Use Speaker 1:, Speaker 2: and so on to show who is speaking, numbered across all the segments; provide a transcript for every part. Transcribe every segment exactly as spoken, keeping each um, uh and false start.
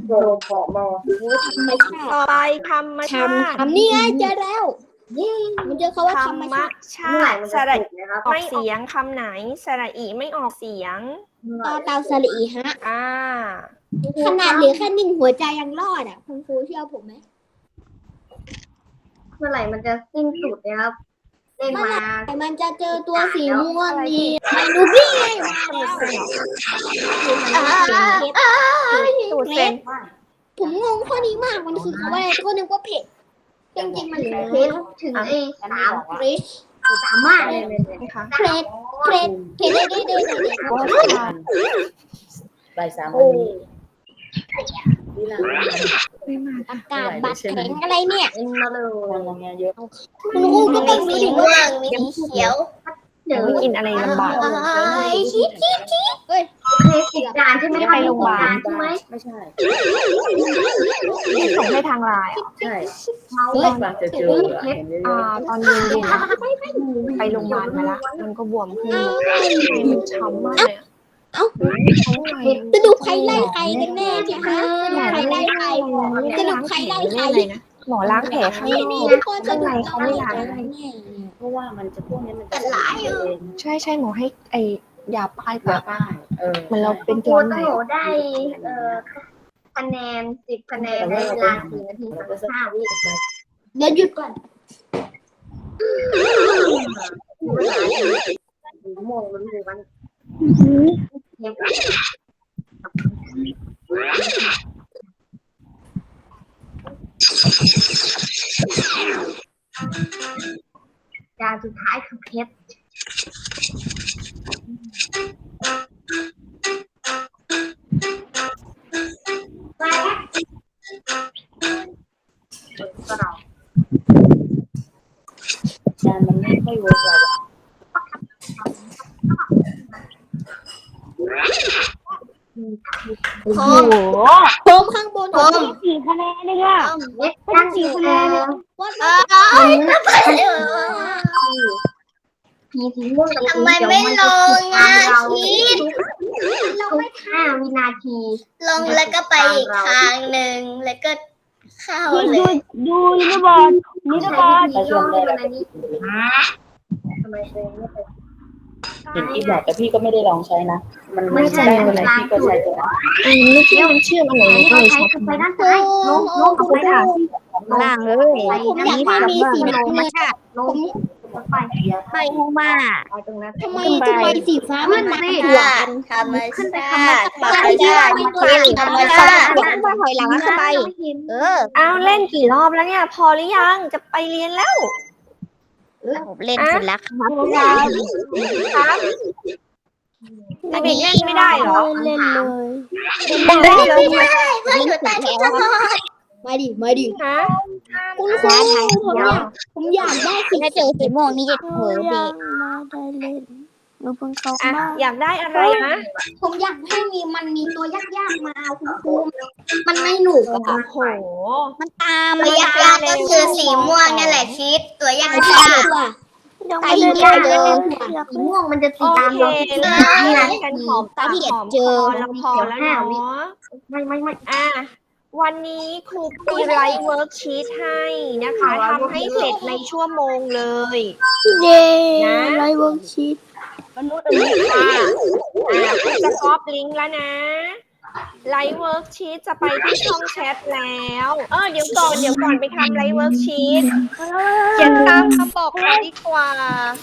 Speaker 1: โดนขอมอ
Speaker 2: ธรรมชา
Speaker 3: ต่อ
Speaker 2: ติ
Speaker 3: ไปธรรมชา
Speaker 2: ทำ
Speaker 3: ติ
Speaker 2: ทำนี่ไงเจอแล้วมันเจอคำว่า
Speaker 3: ธร
Speaker 2: ธร
Speaker 3: ร
Speaker 2: รม
Speaker 3: ม
Speaker 2: ชาติ
Speaker 3: ชา
Speaker 1: เมื่อไหร่
Speaker 3: ติ
Speaker 1: มัน
Speaker 3: ส
Speaker 1: จะ
Speaker 3: ระ
Speaker 1: ถูกนะครับ
Speaker 3: ออกเสียงคำไหนสระอีไม่ออกเสียง
Speaker 2: ต่อเตาสลีฮะ
Speaker 3: อ่า
Speaker 2: ขนาดเหลือแค่หนึ่งหัวใจยังรอดอ่ะคุณครูเชื่อผมไหม
Speaker 1: เมื่อไหร่มันจะสิ้นสุดนะครับเล่นมา
Speaker 2: แต่มันจะเจอตัวสีม่วงนี่ไมนูบี้ไงมาแล้ว
Speaker 3: สูตรเซน
Speaker 2: ผมงงข้อนี้มากมันคือคำว่าอะไรก็นึกว่าเผ็ดจริงๆมันคือเพชร
Speaker 1: ถึงไอ้สาม
Speaker 2: เพชร
Speaker 1: สามมากเลยเลยเลย
Speaker 3: นะคะ
Speaker 2: เพชรเพชรเพชรได้ได้ได้ได้
Speaker 4: บ่ายสามวันนี้เวลา
Speaker 2: อากาศบัดแข็งอะไรเนี่ย
Speaker 1: เอ็นมาเลย
Speaker 4: ทำงานเยอะ
Speaker 2: คุณครูก็ต้องมีสีม่วงมีสีเขียว
Speaker 1: เดี๋ยว
Speaker 3: ไม่กินอะไรลำบาก
Speaker 2: ชิดชิดชิดเฮ้ย
Speaker 1: เคยติดจานใช่ไหม
Speaker 3: ไม่ไปโรงพยาบาล
Speaker 1: ใช่ไหม
Speaker 4: ไม่ใช่
Speaker 3: ส่งให้ทางไลน์
Speaker 4: ใช่
Speaker 1: เมา
Speaker 4: เมื่อวานจะเจอเห็นเย
Speaker 3: อ่า
Speaker 4: อะ
Speaker 3: ตอนเย็นๆนะไปโรงพยาบาลมาละมันก็บวมขึ้นใจมันช้ำมากเลยอะ
Speaker 2: เอ้า
Speaker 3: ช้ำอะไร
Speaker 2: สรุปใครไล่ใครกันแน่เนี่ยฮะสรุปใครไล่ใครสรุปใครไล่ใคร
Speaker 3: เลยนะหมอล้างแผลข้างน
Speaker 2: นี่
Speaker 3: อก
Speaker 2: ทุกคนส
Speaker 3: ข้าง
Speaker 2: รุ
Speaker 3: ใน
Speaker 2: ป
Speaker 3: เขาไม่ล้าง
Speaker 2: ใครไล่ใคร
Speaker 4: เพราะว่ามันจะพวกนี้มันจะเอง
Speaker 3: ใช่ใช่หมอให้ไอยาป้าย
Speaker 4: ยา
Speaker 3: ปาก
Speaker 4: ป้ายเออ
Speaker 3: มันเราเป็น
Speaker 1: ครู
Speaker 3: ตัวไหน
Speaker 1: ต้องโหได้เอ่อคะแนนสิบคะแนนในเวลาสี่นาทีสามสิบห้าวิ
Speaker 2: เดี๋ยวหยุดก่อน
Speaker 1: เวลาสี่โมงมันอยู่วันเที่ยงจานสุดท้ายคือเพชรก็เรา
Speaker 4: จานมันไม่ค่อยเวิร์กเรา
Speaker 3: โอ้โห
Speaker 2: โคมข้างบนผม
Speaker 3: สี่คะแนนเลยอ่ะ
Speaker 1: เล็กตั้งสี่คะแนน
Speaker 2: วัด
Speaker 1: พีสีม่วงกับสี
Speaker 5: ทำไม
Speaker 1: เขียว
Speaker 5: ไม่
Speaker 1: มัน
Speaker 5: ล
Speaker 1: จะ
Speaker 5: ง
Speaker 1: ติดตา
Speaker 5: อ่ะ
Speaker 1: มเรา
Speaker 5: ชีส
Speaker 1: ทุกห้าวินาที
Speaker 5: ลงแล้วก็ไปอีกทางหนึ่งแล้วก็เข้าเลย
Speaker 3: ดูนิรบาลนิรบาล
Speaker 1: ใช้วิธีย่อให้มันอันนี้ทำไมตัวเองไม่ไป
Speaker 4: เห็นพี่บอกแต่พี่ก็ไม่ได้ลองใช้นะ มัน
Speaker 1: ไม่ใช่
Speaker 4: ได้อะไรพี่ก็ใช้ตัวนั้น
Speaker 3: อันนี้ที่มันเชื่อมอะไร
Speaker 1: อันนี้
Speaker 3: ก็
Speaker 1: เรา
Speaker 3: เลย
Speaker 1: ใช้
Speaker 3: ใช้
Speaker 1: คือไปด้านซ้ายลงลงกับไปทาง
Speaker 5: ล่างเลย
Speaker 2: ผมอยากให้มีสีน้ำเงิน
Speaker 1: ลงไป
Speaker 5: ไปหูมา
Speaker 1: ไปตรงนั้น
Speaker 2: ทำไมทำไมสีฟ้ามันมา
Speaker 5: ธ
Speaker 2: หวาน
Speaker 5: ธรรมชาติธรรมชาติธรรมชาติมาถอยหลังเข้าไป เออ
Speaker 3: อ้าวเล่นกี่รอบแล้วเนี่ย พอหรือยังจะไปเรียนแล้ว
Speaker 5: ผมเล่นเสร็จแล้วครับ
Speaker 3: ครับเด็กๆเล่นไม่ได้เหรอ
Speaker 2: เล่นเลย
Speaker 3: เล่นเลย
Speaker 5: ไม่อยู่แต่ที่ตลอด
Speaker 2: มาดิมาดิ
Speaker 3: ฮะ
Speaker 2: คุณครูผมอยากผมอยากได้สี
Speaker 5: ถ้าเจอสีม่วงนี่จะเผลอดี
Speaker 2: มาได้เล่นหนูเพิ่งเข้า
Speaker 3: อ่ะ
Speaker 2: มา
Speaker 3: อยากได้อะไรนะ
Speaker 2: ผมอยากให้มีมันมีตัวยากๆมาคุณครูมันไม่หนุก
Speaker 3: โอ้
Speaker 2: อะ
Speaker 3: โห
Speaker 5: มันตามตัวยากๆก็คือสีม่วงนั่นแหละชีสตัวยาก
Speaker 2: ไม่ใช่ตัว
Speaker 5: ๆ
Speaker 2: ไปเจอเจอ
Speaker 1: สีม่วงมันจะ
Speaker 3: โอ
Speaker 1: ติดตาม
Speaker 3: เค
Speaker 1: เราที่
Speaker 3: เล่
Speaker 1: นี่
Speaker 3: น
Speaker 1: นะ
Speaker 3: กันหอมปากหอมคอแล้วพอแล้วเนาะ
Speaker 1: ไม่ไม่ไม่
Speaker 3: อ่ะวันนี้ครูมีไลฟ์เวิร์กชีตให้นะคะทำให้เสร็จในชั่วโมงเลย
Speaker 2: เย้
Speaker 3: นะ
Speaker 2: ไลฟ์เวิร์กชีต
Speaker 3: ค่ะอ่ะคุณจะก๊อปลิงก์แล้วนะไลฟ์เวิร์กชีตจะไปที่ช่องแชทแล้ว เออเดี๋ยวก่อนเดี๋ยวก่อนไปทำไลฟ์เวิร์กชีตเขียนตามคำบอกมาดีกว่า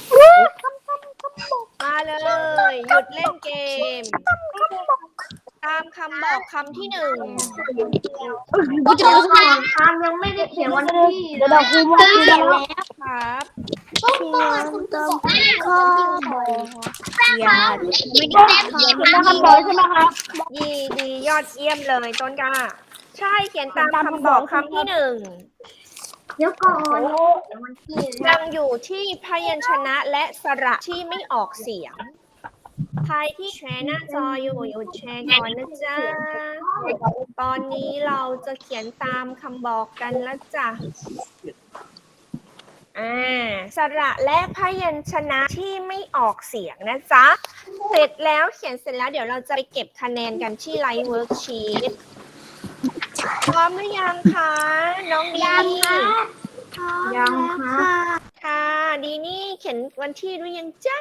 Speaker 3: มาเลย หยุดเล่นเกม ตามคำบอกคำที่หนึ่ง
Speaker 1: กูจะเอาของทำยังไม่ได้เขียนวันที่
Speaker 2: เดี๋ยวเราคุยกันแล้ว
Speaker 3: ครับ
Speaker 2: ต้องต้องคุณครูบอกให้ข้อบอก
Speaker 5: อย่าไม่ได้เขียนนะ
Speaker 3: ดีดียอดเยี่ยมเลยต้นกล้าใช่เขียนตามคำบอกคำที่หนึ่ง
Speaker 1: เดี๋ยวก่อนเดี๋ยววันที่
Speaker 3: ยังอยู่ที่พยัญชนะและสระที่ไม่ออกเสียง ใครที่แชร์หน้าจออยู่หยุดแชร์ก่อนนะจ๊ะ ตอนนี้เราจะเขียนตามคำบอกกันแล้วจ้ะ อ่า สระและพยัญชนะที่ไม่ออกเสียงนะจ๊ะ เสร็จแล้วเขียนเสร็จแล้วเดี๋ยวเราจะไปเก็บคะแนนกันที่ไลฟ์เวิร์กชีตพร้อมหรือยังคะน้องดีนี่
Speaker 1: ยังค่ะ
Speaker 3: ค่ะดีนี่เขียนวันที่ด้วยยังจ๊ะ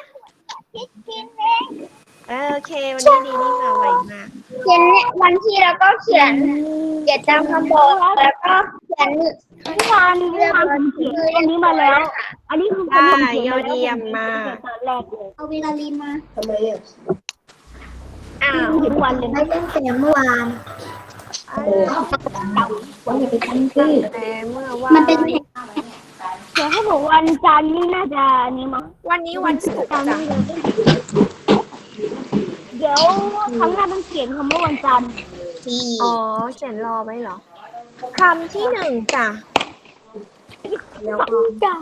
Speaker 3: เออโอเควันนี้ดีนี่มาไวมาก
Speaker 2: เขียนวันที่แล้วก็เขียนเขียนตามคำบอกแล้วก็เขียนเมื่อวานเมื่อวานผมเขียนอันนี้มาแล้ว อันนี้คือ
Speaker 3: ได้ยอดเยี่ยมมาก
Speaker 2: ตอนแรกเลยเอาเวลาลีมา
Speaker 1: ทำไมอ่ะ
Speaker 3: อ้าว
Speaker 2: ทุกวันเลย
Speaker 1: ไม่เล่นแต่เมื่อวาน
Speaker 4: วันนี้ไปทำที่
Speaker 3: แต่เมื่อวา
Speaker 2: มันเป็น
Speaker 3: น
Speaker 2: เพลงเดี๋ยวให้บอกวันจันทร์นี่น่าจะอันนี้มั้ง
Speaker 3: วันนี้วันศุกร์จ้ะ
Speaker 2: เดี๋ยวครั้งหน้าต้องเขียนคำว่าวันจันทร์
Speaker 3: อ๋อเขียนรอไว้เหรอคำที่หนึ่งจ้ะ
Speaker 2: จ้า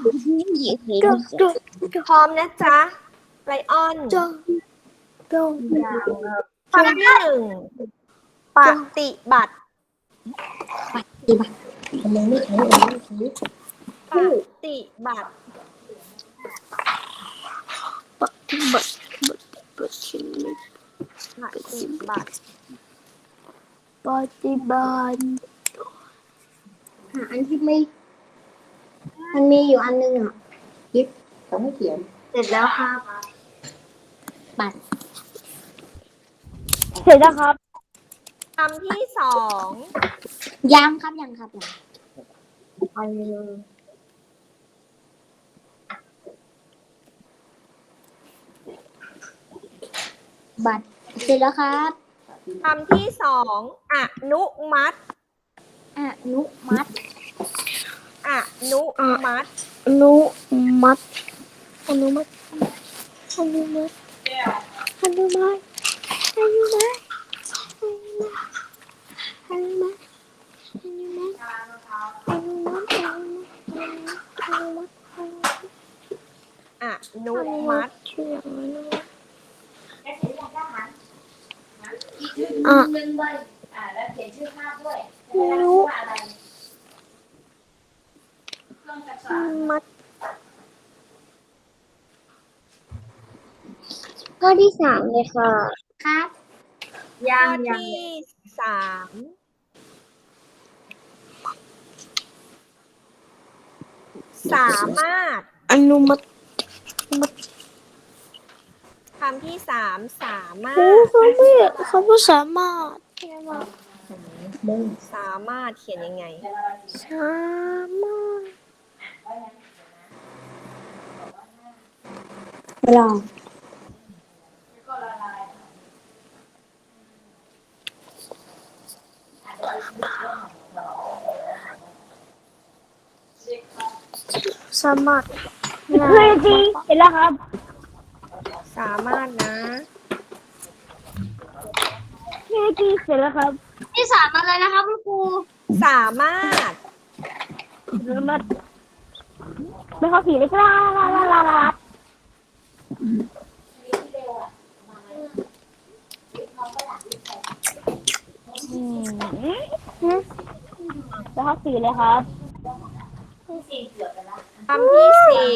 Speaker 3: พร้อมนะจ๊ะไลออน
Speaker 2: จ้าจ้า
Speaker 3: คำที่หนึ่งปฏิบัติ
Speaker 1: ทำไมไม่ใช้อันนี้ใช้
Speaker 3: ปฏิบัติ
Speaker 2: ปฏิบัติปฏิ
Speaker 3: ปฏิบัติ
Speaker 2: ปฏิบัติหาอันที่ไม่มันมีอยู่อันนึงอ่ะ
Speaker 4: เขาไม่เขียน
Speaker 1: เสร็จแล้วครับ
Speaker 2: เสร็จแล้วครับ
Speaker 3: คำที่สอง
Speaker 2: ยังครับยังครับยัง
Speaker 1: ไปเลย
Speaker 2: บัตรเสร็จแล้วครับ
Speaker 3: คำที่สองอนุมัติ
Speaker 2: อนุมัติ
Speaker 3: อนุมัติ
Speaker 2: อนุมัติอนุมัติอนุมัติอนุมัติอนุมัติอนุมัติอนุมัติอนุมัติอนุมัติอนุมัติ
Speaker 3: อนุมัติ
Speaker 2: ชื่ออะไรนะอ่ะอนุมัติข้อที่สามเลยค่ะครับ
Speaker 3: ข้
Speaker 1: ยั
Speaker 3: อง
Speaker 1: ยัง
Speaker 3: ที่สามสามารถ
Speaker 2: อนุมัติ
Speaker 3: คำที่สามสามาร
Speaker 2: โอ้
Speaker 3: ถ
Speaker 2: เขาไม่เขาไม่สามารถ
Speaker 3: สามารถเขียนยังไง
Speaker 2: สามารถ
Speaker 4: ลอง
Speaker 2: สามารถเฮ้ยจริงเห็นแล้วครับ
Speaker 3: สามารถนะ
Speaker 2: เฮ้ยจริงเสร็จแล้วครับที่สามอะไรนะครับคุณครู
Speaker 3: สามารถ
Speaker 2: สามารถไม่เข้าผีเลยกล้าลาลาลาลาอืมแล้วเข้าผีเลยครับ
Speaker 3: คำที่สี่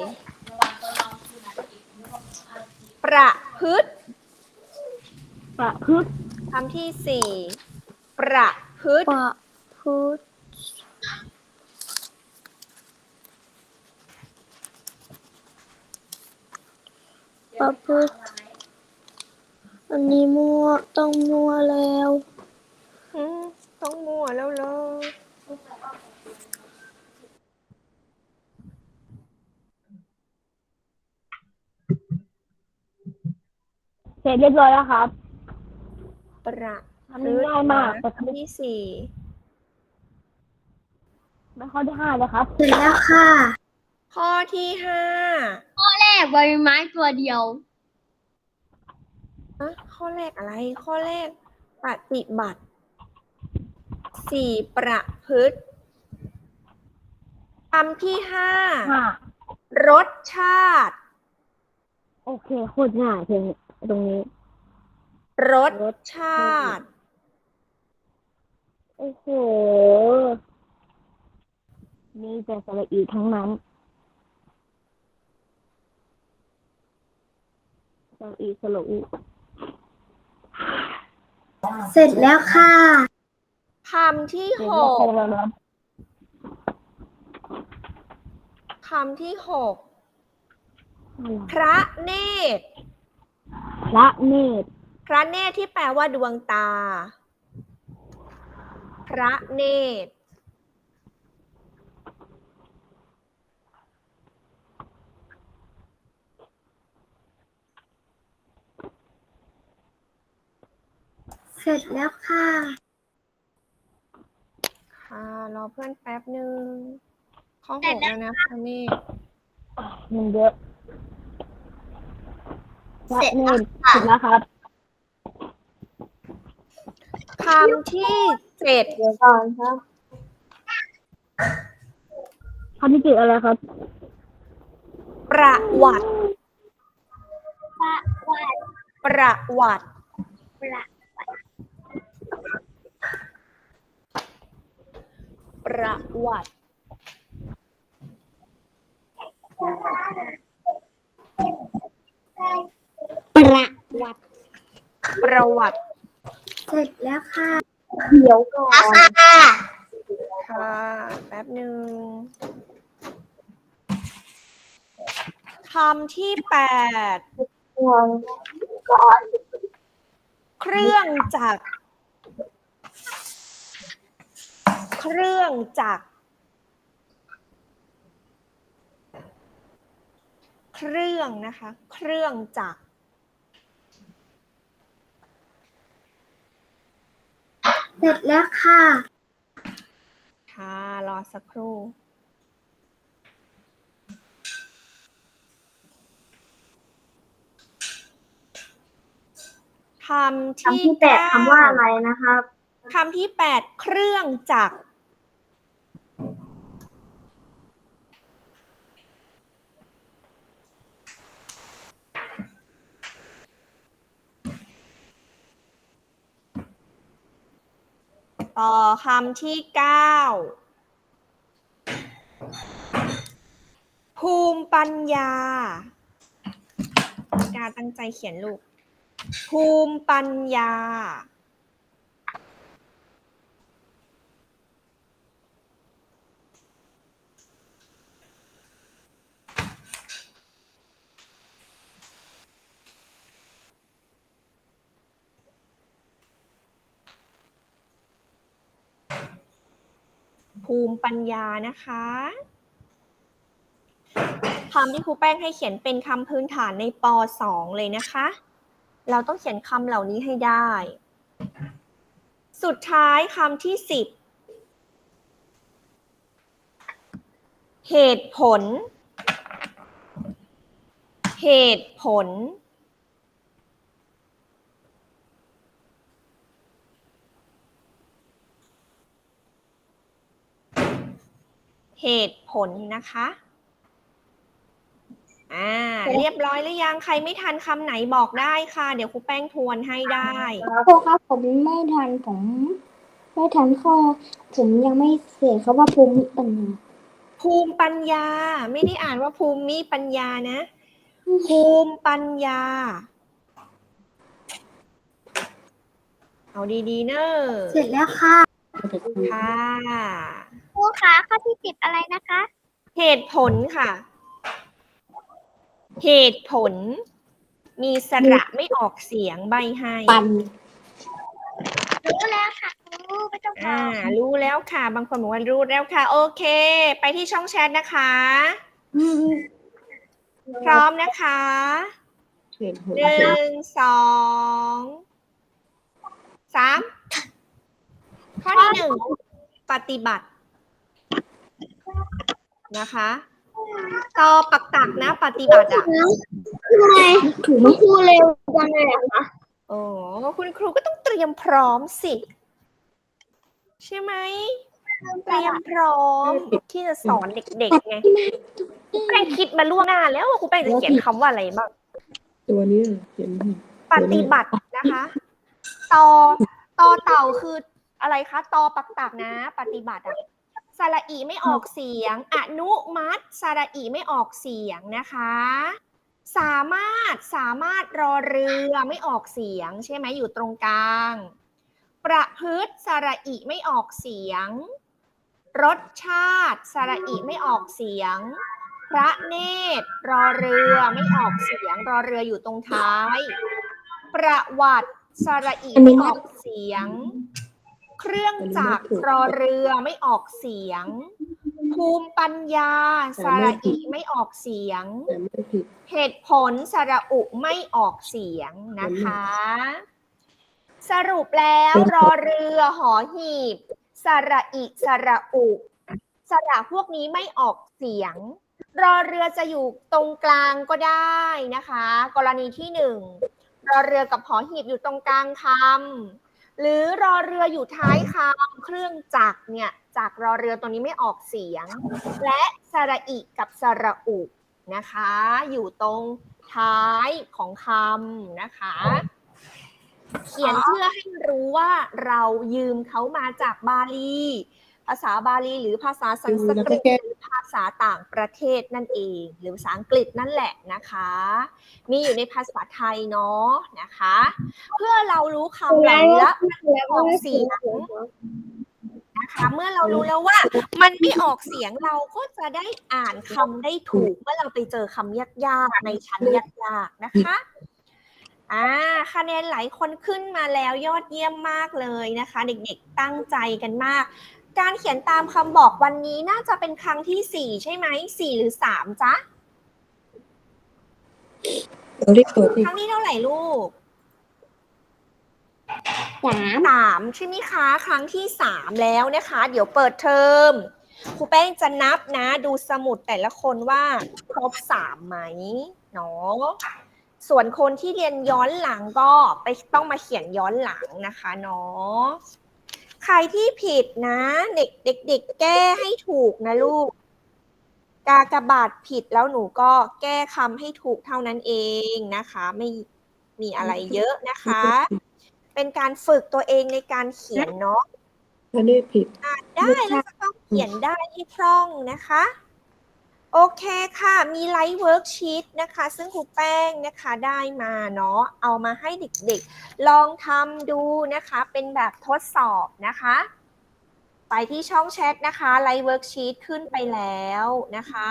Speaker 3: ประพฤติ
Speaker 2: ประพฤติ
Speaker 3: คำที่สี่ประพฤติ
Speaker 2: ประพฤติประพฤติอันนี้มั่วต้องมั่วแล้ว
Speaker 3: อืมต้องมั่วแล้วเลย
Speaker 2: เสร็จเรียบร้อยแล้วครับ
Speaker 3: ประ
Speaker 2: ทำง่ายมาก
Speaker 3: คำที่สี่
Speaker 2: ไม่ข้อที่ห้าเลยครับ
Speaker 1: เสร็จแล้วค่ะ
Speaker 3: ข้อที่ห้า
Speaker 2: แรกใบไม้ตัวเดียว
Speaker 3: อะข้อแรกอะไร ข้อแรกปฏิบัติสี่ประพฤติคำที่ห้า
Speaker 2: ห้าร
Speaker 3: สชาติ
Speaker 2: โอเคโคตรง่ายเพลงตรงนี้
Speaker 3: รสชาติ
Speaker 2: โอ้โหมีแต่สระอีทั้งนั้นสระอีสระอี
Speaker 1: เสร็จแล้วค่ะ
Speaker 3: คำที่หกคำที่หกพระเนตร
Speaker 2: พระเนตร
Speaker 3: พระเนตรที่แปลว่าดวงตา พระเนตร
Speaker 1: เสร็จแล้วค่ะ
Speaker 3: ค่ะรอเพื่อนแป๊บหนึ่งข้อหกแล้วนะพระเนตร
Speaker 2: มันเยอะพระเนตรเสร็จแล้วครับ
Speaker 3: คำที่เจ็ด
Speaker 1: เดี๋ยวก่อนครับ
Speaker 2: คำที่เจ็ดอะไรครับ
Speaker 3: ประวัติ ประวัติ ประวัติ
Speaker 5: ประวัติ
Speaker 3: ประวัติ
Speaker 1: เสร็จแล้วค่ะ
Speaker 2: เดี๋ยวก่อน
Speaker 3: ค่ะ แป๊บหนึ่งคำที่แปด เครื่องจักร เครื่องจักร เครื่องนะคะ เครื่องจักร
Speaker 1: เสร็จแล้วค่ะ
Speaker 3: ค่ะ รอสักครู่ คำที่
Speaker 1: คำที่แปด
Speaker 3: เก้
Speaker 1: คำว่าอะไรนะครับ
Speaker 3: คำที่แปดเครื่องจักร ต่อคำที่เก้าภูมิปัญญา การตั้งใจเขียนลูก ภูมิปัญญา ภูมิปัญญานะคะคำที่ครูแป้งให้เขียนเป็นคำพื้นฐานในป สอง เลยนะคะ เราต้องเขียนคำเหล่านี้ให้ได้ สุดท้ายคำที่สิบเหตุผล เหตุผล เหตุผลนะคะอ่าเรียบร้อยหรือยังใครไม่ทันคำไหนบอกได้ค่ะเดี๋ยวครูแป้งทวนให้ได้
Speaker 5: ครูครับผมไม่ทันผม ไม่ทันข้อผมยังไม่เสร็จเขาว่าภูมิปัญญา
Speaker 3: ภูมิปัญญาไม่ได้อ่านว่าภูมิปัญญานะ ภูมิปัญญาเอาดีๆเนอะ
Speaker 1: เสร็จแล้วค่ะ
Speaker 3: ค่ะ
Speaker 2: ครูคะข้อที่สิบอะไรนะคะ
Speaker 3: เหตุผลค่ะ เหตุผล มีสระไม่ออกเสียงใบให้
Speaker 5: ปัน
Speaker 2: รู้แล้วค่ะครูไม่ต้องบ
Speaker 3: อ่า
Speaker 2: อก
Speaker 3: รู้แล้วค่ะ บางคนบอกว่ารู้แล้วค่ะ โอเค ไปที่ช่องแชทนะคะ พร้อมนะคะหนึ่งสองสามข้อที่หนึ่งปฏิบัตินะคะต่อปักตักนะปฏิบัติอ่ะ
Speaker 2: ทำไมถูกไหมครูเร็วจังเลยอะคะ
Speaker 3: โอ้คุณครูก็ต้องเตรียมพร้อมสิใช่ไหมเตรียมพร้อมที่จะสอนเด็กๆไงครูแป้งคิดมาล่วงหน้าแล้วว่าครูแป้งจะเขียนคำว่าอะไรบ้าง
Speaker 4: ตัวนี้เขียน
Speaker 3: ปฏิบัตินะคะต่อต่อเต่าคืออะไรคะตอปักตักนะปฏิบัติอะสระอีไม่ออกเสียงอนุมัติสระอีไม่ออกเสียงนะคะสามารถสามารถรอเรือไม่ออกเสียงใช่ไหมอยู่ตรงกลางประพฤติสระอิไม่ออกเสียงรสชาติสระอิไม่ออกเสียงพระเนตรรอเรือไม่ออกเสียงรอเรืออยู่ตรงท้ายประวัติสระอิไม่ออกเสียงเครื่องจักรรอเรือไม่ออกเสียงภูมิปัญญาสระอิไม่ออกเสียงเหตุผลสระอุไม่ออกเสียงนะคะสรุปแล้วรอเรือหอหีบสระอิสระอุสระพวกนี้ไม่ออกเสียงรอเรือจะอยู่ตรงกลางก็ได้นะคะกรณีที่หนึ่งรอเรือกับหอหีบอยู่ตรงกลางคำหรือรอเรืออยู่ท้ายคำเครื่องจักรเนี่ยจากรอเรือตัวนี้ไม่ออกเสียงและสระอิกับสระอุนะคะอยู่ตรงท้ายของคำนะคะเขียนเพื่อให้รู้ว่าเรายืมเขามาจากบาลีภาษาบาลีหรือภาษาสันสกฤตหรือภาษาต่างประเทศนั่นเองหรือภาษาอังกฤษนั่นแหละนะคะมีอยู่ในภาษาไทยเนาะนะคะเพื่อเรารู้คำเหล่านี้แล้วออกเสียงนะคะเมื่อเรารู้แล้วว่ามันไม่ออกเสียงเราก็จะได้อ่านคำได้ถูกเมื่อเราไปเจอคำยากๆในชั้นยากๆนะคะอ่าคะแนนหลายคนขึ้นมาแล้วยอดเยี่ยมมากเลยนะคะเด็กๆตั้งใจกันมากการเขียนตามคำบอกวันนี้น่าจะเป็นครั้งที่สี่ใช่ไหมสี่หรือสามจ๊ะครั้งที่เท่าไหร่ลูก
Speaker 5: สาม
Speaker 3: สามใช่ไหมคะครั้งที่สามแล้วนะคะเดี๋ยวเปิดเทอมครูแป้งจะนับนะดูสมุดแต่ละคนว่าครบสามไหมเนาะส่วนคนที่เรียนย้อนหลังก็ไปต้องมาเขียนย้อนหลังนะคะเนาะใครที่ผิดนะเด็กเด็กเด็กแก้ให้ถูกนะลูกกากบาทผิดแล้วหนูก็แก้คำให้ถูกเท่านั้นเองนะคะไม่มีอะไรเยอะนะคะเป็นการฝึกตัวเองในการเขียนเนาะ
Speaker 4: ถ้าได้ผิด
Speaker 3: อ่านได้แล้วก็ต้องเขียนได้ให้คล่องนะคะโอเคค่ะมีไลฟ์เวิร์กชีตนะคะซึ่งครูแป้งนะคะได้มาเนาะเอามาให้เด็กๆลองทำดูนะคะเป็นแบบทดสอบนะคะไปที่ช่องแชทนะคะไลฟ์เวิร์กชีตขึ้นไปแล้วนะคะ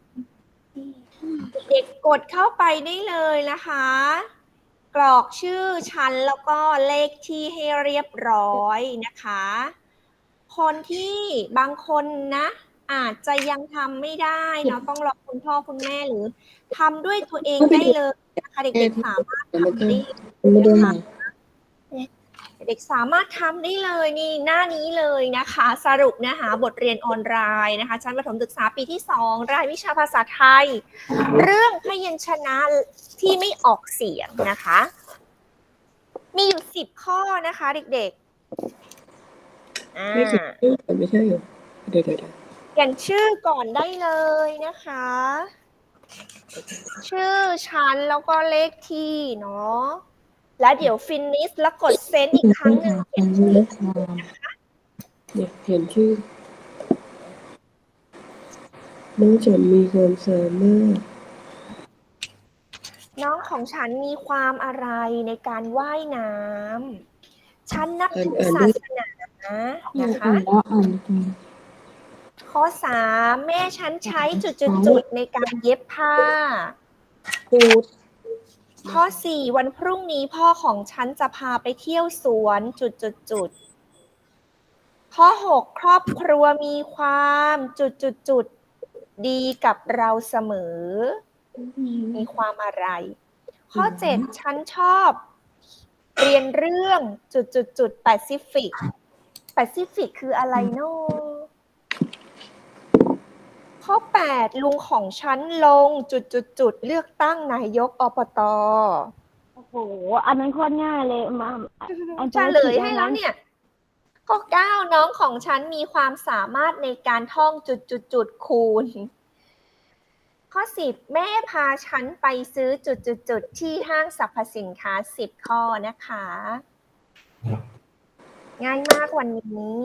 Speaker 3: เด็กกดเข้าไปได้เลยนะคะกรอกชื่อชั้นแล้วก็เลขที่ให้เรียบร้อยนะคะคนที่บางคนนะอาจจะยังทำไม่ได้เนาะต้องรอคุณพ่อคุณแม่หรือทำด้วยตัวเองได้เลยนะคะเด็กๆสามารถทำได้นะคะเด็กสามารถทำได้เลยนี่หน้านี้เลยนะคะสรุปเนื้อหาบทเรียนออนไลน์นะคะชั้นประถมศึกษาปีที่สองรายวิชาภาษาไทยเรื่องพยัญชนะที่ไม่ออกเสียงนะคะมีอยู่สิบข้อนะคะเด็กๆอ่าไม่ใช่เหรอเดี๋ยวๆเขียนชื่อก่อนได้เลยนะคะชื่อชั้นแล้วก็เลขที่เนาะแล้วเดี๋ยวฟินิชแล้วกดเซนอีกครั้งหนึ่งเขียนชื่อนะคะ
Speaker 4: เดี๋ยวเขียนชื่อน้องฉันมีความสามารถ
Speaker 3: น้องของฉันมีความอะไรในการว่ายน้ำฉันนับถือศาสนานะคะข้อสามแม่ฉันใช้จุดๆๆในการเย็บผ้าพูดข้อสี่วันพรุ่งนี้พ่อของฉันจะพาไปเที่ยวสวนจุดๆข้อหกครอบครัวมีความจุดๆๆดีกับเราเสมอมีความอะไรข้อเจ็ดฉันชอบเรียนเรื่องจุดๆๆแปซิฟิกแปซิฟิกคืออะไรเนาะข้อแปดลุงของฉันลงจุดๆๆเลือกตั้งนายกอบต.
Speaker 5: โอ้โหอันนั้นโคตรง่ายเลยมา
Speaker 3: เฉลยให้แล้วเนี่ยข้อเก้าน้องของฉันมีความสามารถในการท่องจุดๆๆคูณข้อสิบแม่พาฉันไปซื้อจุดๆๆที่ห้างสรรพสินค้าสิบข้อนะคะง่ายมากวันนี้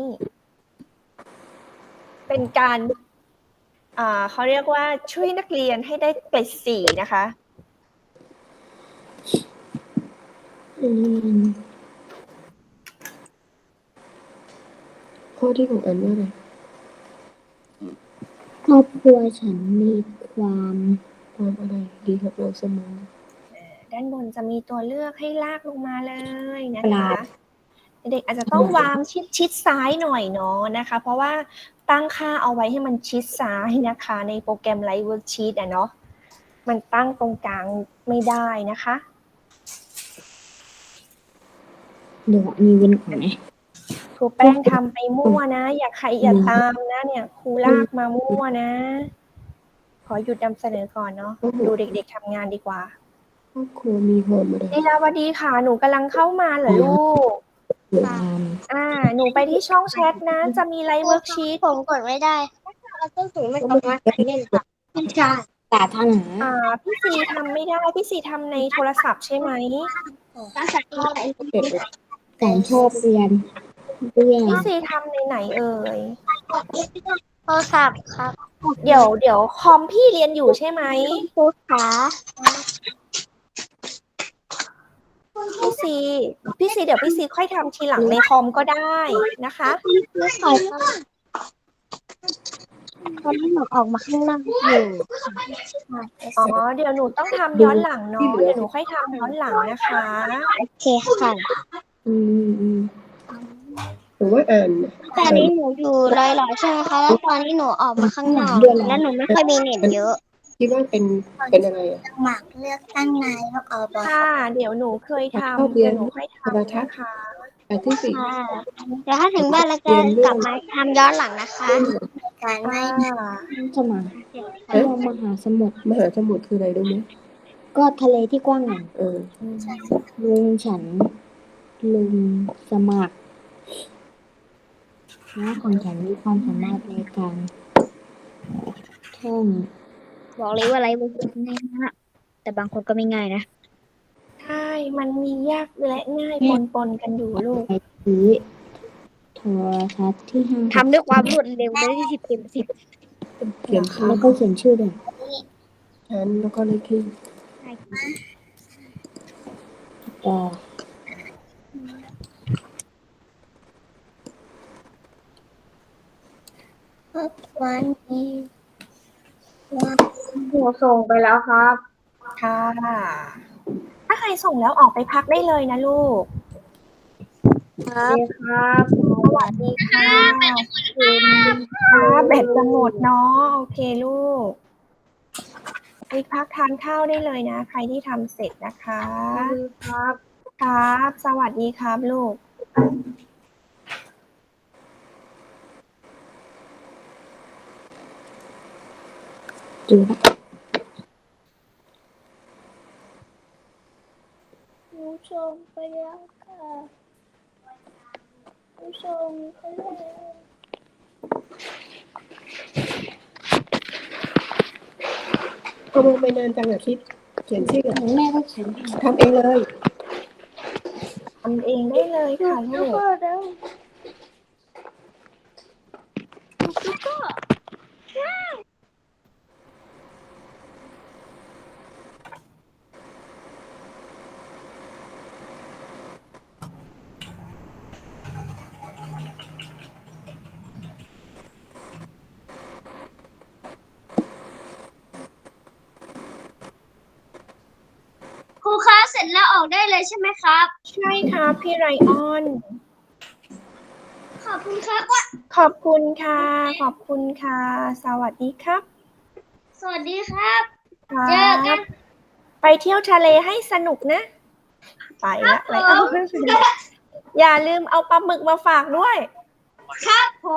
Speaker 3: เป็นการอ่าเขาเรียกว่าช่วยนักเรียนให้ได้เกรดสี่นะคะ
Speaker 6: ข้อที่ของอันว่าอะไร
Speaker 5: ครอบครัวฉันมีความ
Speaker 6: ความอะไรดีกับเราเสมอ
Speaker 3: ด้านบนจะมีตัวเลือกให้ลากลงมาเลยนะ
Speaker 5: ปรา
Speaker 3: คะ
Speaker 5: บ
Speaker 3: เด็กอาจจะต้องวางชิดชิดซ้ายหน่อยเนาะนะคะ เพราะว่าตั้งค่าเอาไว้ให้มันชิดซ้ายนะคะ ในโปรแกรม Live Worksheet อะเนาะมันตั้งตรงกลางไม่ได้นะคะ
Speaker 5: เดี๋ยวมีเว้นก่อนนะ
Speaker 3: ครูแป้งทำไปมั่วนะ อย่าใครอย่าตามนะเนี่ยครูลากมามั่วนะ ขอหยุดนำเสนอก่อนเนาะดูเด็กๆทำงานดีกว่า
Speaker 6: ครอบครัวมีความอะไร
Speaker 3: ลีลาวดีค่ะหนูกำลังเข้ามาเหรอลูก
Speaker 5: ความ
Speaker 3: อ่า หนูไปที่ช่องแชทนะ จะมีไลฟ์เวิร์กชีต
Speaker 2: ผมกดไม่ได้เอาต้นสูงไม่ออกมาเล่นค่ะไม่ใช่
Speaker 5: สาธารณะ
Speaker 3: อ่า พี่ซีทำไม่ได้ พี่ซีทำในโทรศัพท์ใช่ไหม
Speaker 2: ภาษาอะไร
Speaker 6: เด็ก
Speaker 5: ฉันชอบเรียนเรียน
Speaker 3: พี่ซีทำในไหนเอ่ย
Speaker 2: โทรศัพท์ครับ
Speaker 3: เดี๋ยวเดี๋ยวคอมพี่เรียนอยู่ใช่ไหม
Speaker 2: ครูขา
Speaker 3: พี่ซี พี่ซีเดี๋ยวพี่ซีค่อยทำทีหลังในคอมก็ได้นะคะ
Speaker 2: ครูขาตอนนี้หนูออกมาข้างนอกอยู่
Speaker 3: อ๋อ เดี๋ยวหนูต้องทำย้อนหลังเนาะ เดี๋ยวหนูค่อยทำย้อนหลังนะคะ
Speaker 2: โอเคค่ะ
Speaker 5: อืมอืม
Speaker 6: หรือว่าอ่านน่ะ
Speaker 2: ตอนนี้หนูอยู่ลอยๆใช่ไหมคะ แล้วตอนนี้หนูออกมาข้างนอก แล้วหนูไม่ค่อยมีเน็ตเยอะ
Speaker 6: คิดว่าเป็นเป็นอะไรอ่ะ
Speaker 2: หมักเลือกตั้งนายกอบอ
Speaker 3: ค่ะ เดี๋ยวหนูเคยทำ
Speaker 6: ชอบเรี
Speaker 3: เดี๋
Speaker 6: ย
Speaker 3: ย
Speaker 6: น
Speaker 3: วหนูค่อยทำนะคะ
Speaker 6: อันที่สี่
Speaker 2: ค่ะเดี๋ยวถ้าถึงบ้านแล้วจะกลับมาทำย้อนหลังนะคะ การไม่
Speaker 5: สมานเรามหาสมุทร
Speaker 6: มหาสมุทรคืออะไรรู้ไหม
Speaker 5: ก็ทะเลที่กว้างใหญ่
Speaker 6: เออ
Speaker 5: ลุงฉัน ลุงสมัครและของฉันมีความสามารถในการท่อง
Speaker 2: บอกเลยว่าอะไรบางคนง่ายนะแต่บางคนก็ไม่ง่ายนะ
Speaker 3: ใช่ มันมียากและง่ายปนๆกันอยู่ลูก
Speaker 5: ไปซื้อโทรทัศน์ที่ห้าง
Speaker 2: ทำด้วยความรวดเร็วได้ที่สิบเต็มสิบ
Speaker 6: เขียนชื่อ
Speaker 5: แล้วก็เขียนชื่อด้วย
Speaker 6: ชั้นแล้วก็เลขที่
Speaker 5: แต่
Speaker 2: วันนี้
Speaker 1: หนูส่งไปแล้วครับ
Speaker 3: ค่ะ ถ้าใครส่งแล้วออกไปพักได้เลยนะลูก
Speaker 2: ครับ
Speaker 1: ครับ
Speaker 3: สวัสดีค่ะคุณค่ะแบตจะหมดเนาะ โอเคลูกไปพักทานข้าวได้เลยนะ ใครที่ทำเสร็จนะคะ
Speaker 1: ครับ
Speaker 3: ครับ สวัสดีครับลูก
Speaker 5: จืดละ
Speaker 2: ผู้ชมไปแล้วค่ะผู้ชมไปแล้ว
Speaker 6: ทำไมไปนานจังอะคิด เขียนชื่อ
Speaker 5: ของแม่ก็เขียน
Speaker 6: ทำเองเลย
Speaker 3: ทำเองได้เลยค่ะลูก
Speaker 2: ครูคะเสร็จแล้วออกได้เลยใช่ไหมครับ
Speaker 3: ใช่ครับพี่ไรออน
Speaker 2: ขอบคุณครับว่า
Speaker 3: ขอบคุณค่ะ ขอบคุณค่ะ สวัสดีครับ
Speaker 2: สวัสดีครับ
Speaker 3: ครั
Speaker 2: เจอกับ น
Speaker 3: ไปเที่ยวทะเลให้สนุกนะ ไปละไรออนอย่าลืมเอาปลาหมึกมาฝากด้วย
Speaker 2: ครับผม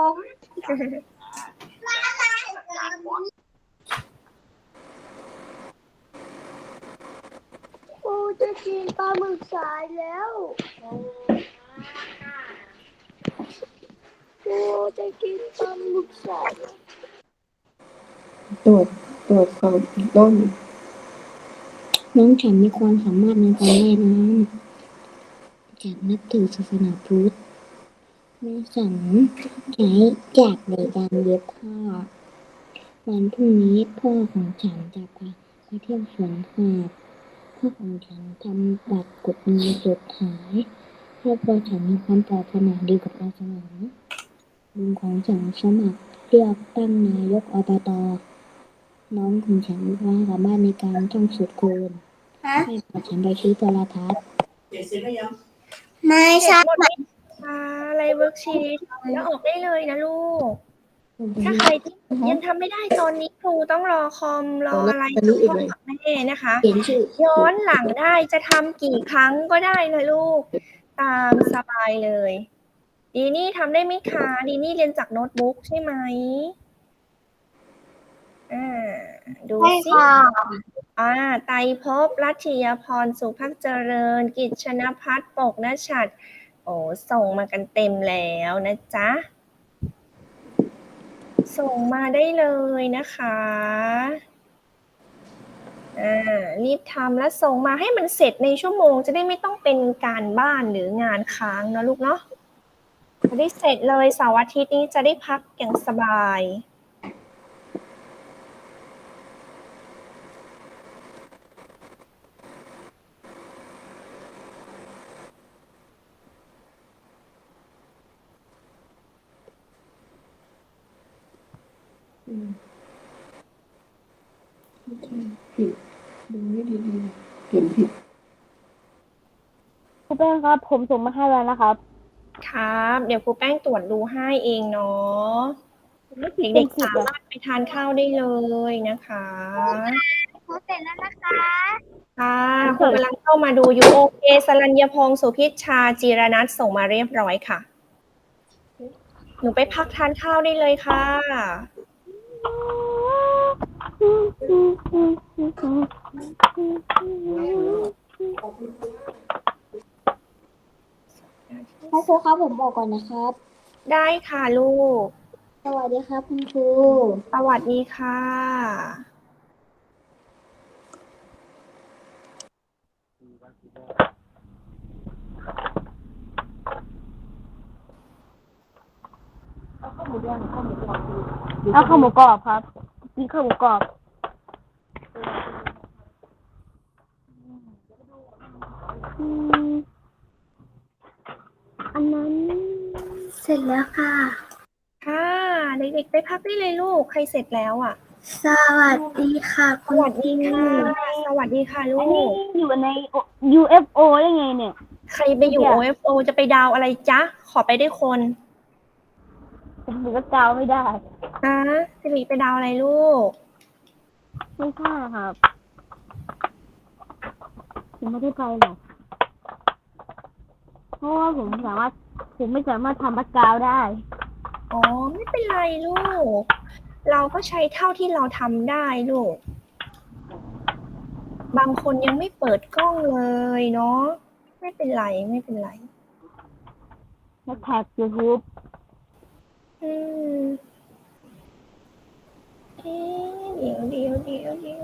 Speaker 2: โอ้จะกินปลาหมึกสายแล้วโอ้จะกินปลาหมึกสาย
Speaker 6: ตรวจตรวจความถูกต้อง
Speaker 5: น้องฉันมีความสามารถในการว่ายน้ำจากนับถือศาสนาพุทธแม่ฉันใช้จากในการเย็บผ้า วันพรุ่งนี้พ่อของฉันจะพาไปเที่ยวสวนสัตว์พ่อของฉันทำบัตรกดเงินจดหายครอบครัวฉันมีความปรารถนาดีกับเราเสมอลุงของฉันสมัครเลือกตั้งนายกอบตน้องของฉันมีความสามารถในการท่องสูตรคูณให้พาฉันไปที่โทรทัศน์
Speaker 2: ไม่
Speaker 3: เสร็
Speaker 2: ใช่
Speaker 3: จหมดไหมคะอะไรเวิร์กชีตแล้วออกได้เลยนะลูก ถ้าใครที่ยังทำไม่ได้ตอนนี้ครูต้องรอคอมรออะไรกับพ่อกับแม่นะคะ
Speaker 5: เขียนชื่อ
Speaker 3: ย้อนหลังได้จะทำกี่ครั้งก็ได้นะลูก ตามสบายเลย ดีนี่ทำได้ไหมคะ ดีนี่เรียนจากโน้ตบุ๊กใช่ไหมอ่าดู
Speaker 2: ใช่
Speaker 3: สิ
Speaker 2: ค่ะ
Speaker 3: อ่าไตรภพรัตยพรสุภักเจริญ กิจชนพัฒน์ปกนชัดโอ้ส่งมากันเต็มแล้วนะจ๊ะ ส่งมาได้เลยนะคะอ่ารีบทำแล้วส่งมาให้มันเสร็จในชั่วโมงจะได้ไม่ต้องเป็นการบ้านหรืองานค้างนะลูกเนาะจะได้เสร็จเลยเสาร์อาทิตย์นี้จะได้พักอย่างสบาย
Speaker 6: ผิดดูไม่ดีๆเขียนผิด
Speaker 2: ครูแป้งครับ ผมส่งมาให้แล้วนะครับ
Speaker 3: ครับ เดี๋ยวครูแป้งตรวจดูให้เองเนาะเด็กๆสามารถไปทานข้าวได้เลยนะคะ
Speaker 2: เสร็จแล้วนะคะ
Speaker 3: ค่ะคุณกำลังเข้ามาดูอยู่โอเคสรัญญพงศ์สุพิชชาจีรนัทส่งมาเรียบร้อยค่ะ หนูไปพักทานข้าวได้เลยค่ะ
Speaker 5: ครูครับผมบอกก่อนนะครับ
Speaker 3: ได้ค่ะลูก
Speaker 5: สวัสดีครับคุณครู
Speaker 3: สวัสดีค่ะ
Speaker 2: เอาข้าวหมูกรอบครับกินข้าวหมูกรอบอืมอันนั้น
Speaker 1: เสร็จแล้วค่ะ
Speaker 3: ค่ะเด็กๆไปพักได้เลยลูก ใครเสร็จแล้วอ่ะ
Speaker 1: สวัสดีค่ะ
Speaker 3: สวัสดีค่ะ สวัสดีค่ะลู
Speaker 2: อันนี้
Speaker 3: ก
Speaker 2: อยู่ใน ยู เอฟ โอ ได้ไงเนี่ย
Speaker 3: ใครไปอยู่ โอ เอฟ โอ จะไปดาวอะไรจ๊ะ ขอไปได้คน
Speaker 2: ผมถือว่าเจ้าไม่ได้
Speaker 3: ฮะสิริไปดาวอะไรลูก
Speaker 2: ไม่ใช่ครับผมไม่ได้ไปหรอกเพราะว่าผมสามารถผมไม่สามารถทำบัคกราวด์ได้
Speaker 3: อ๋อ ไม่เป็นไรลูก เราก็ใช้เท่าที่เราทำได้ลูก บางคนยังไม่เปิดกล้องเลยเนาะ ไม่เป็นไร ไม่เป็นไร
Speaker 2: แล้วแท็ก YouTube
Speaker 3: อืมเอ๊ะเดี๋ยวเดี๋ยวเดี๋ยวเดี๋ยว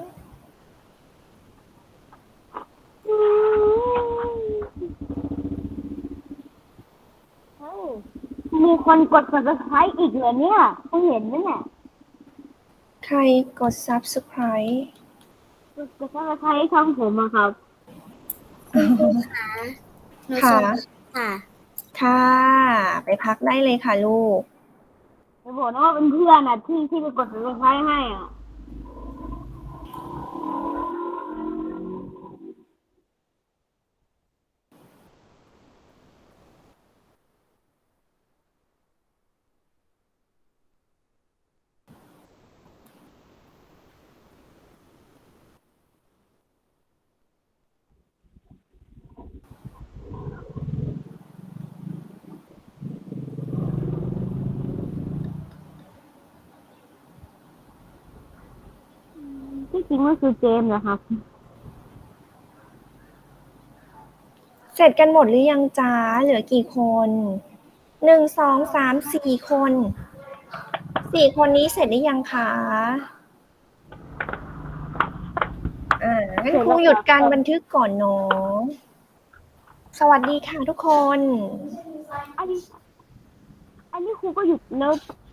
Speaker 2: มีคนกด Subscribe อีกเหรอเนี่ยเขาเห็นไหมเนี่ย
Speaker 3: ใครกด Subscribe
Speaker 2: กด Subscribe ช่องผมอะครับ
Speaker 3: ค่ะ
Speaker 1: ค่ะ
Speaker 3: ค่ะ ไปพักได้เลยค่ะลูก
Speaker 2: จะบอกนะว่าเป็นเพื่อนอะที่ที่ไปกด Subscribe ให้อะ ที่จริงมันคือเจมส์นะครับ
Speaker 3: เสร็จกันหมดหรือยังจ้าเหลือกี่คน หนึ่ง สอง สาม สี่คน สี่คนนี้เสร็จหรือยังคะ อ่างั้นครูหยุดการบันทึกก่อนเนาะ สวัสดีค่ะทุกคน
Speaker 2: อันนี้ อันนี้ครูก็หยุดแล้ว